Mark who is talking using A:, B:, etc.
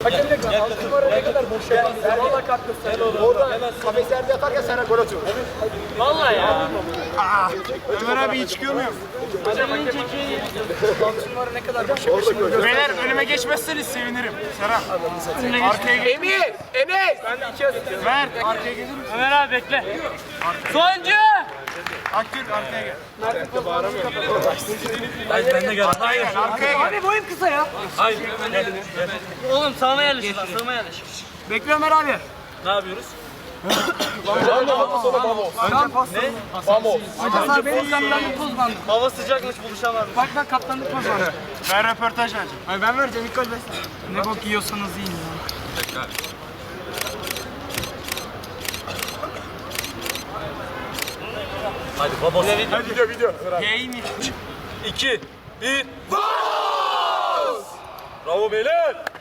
A: Hakemlik var. 6 numara ne kadar boş yaparsın. Valla katkısı. Orada kafeslerde yatarken sana gol atıyor. Valla ya.
B: Ömer abi iyi çıkıyor muyum?
A: Hocam iyi çekiyor. 6 numara ne kadar boş yaparsın.
B: Beyler önüme geçmezseniz sevinirim. Serap. Arkaya geç.
A: Emir! Enes! Ben de 2 atıyorum.
B: Ver. Arkaya gelir misin?
C: Ömer abi bekle. Sonuncu!
B: Akgül arkaya gel.
C: Ben de gel.
B: Hayır arkaya gel.
A: Abi boyum kısa ya.
C: Hayır. Oğlum sağıma yerleşir lan. Sağıma yerleşir.
A: Bekle Ömer abi.
C: Ne yapıyoruz?
A: Hasan benim kaptanlık poz bandı.
C: Hava sıcakmış buluşamam.
A: Bak ben kaptanlık poz bandı.
B: Ben röportaj vereceğim.
A: Ay ben vereceğim ilk gol ben. Ne bok yiyorsanız yiyin ya.
C: Hadi baba.
B: Hadi video.
A: Yayın
C: 2, 1. Bravo beyler.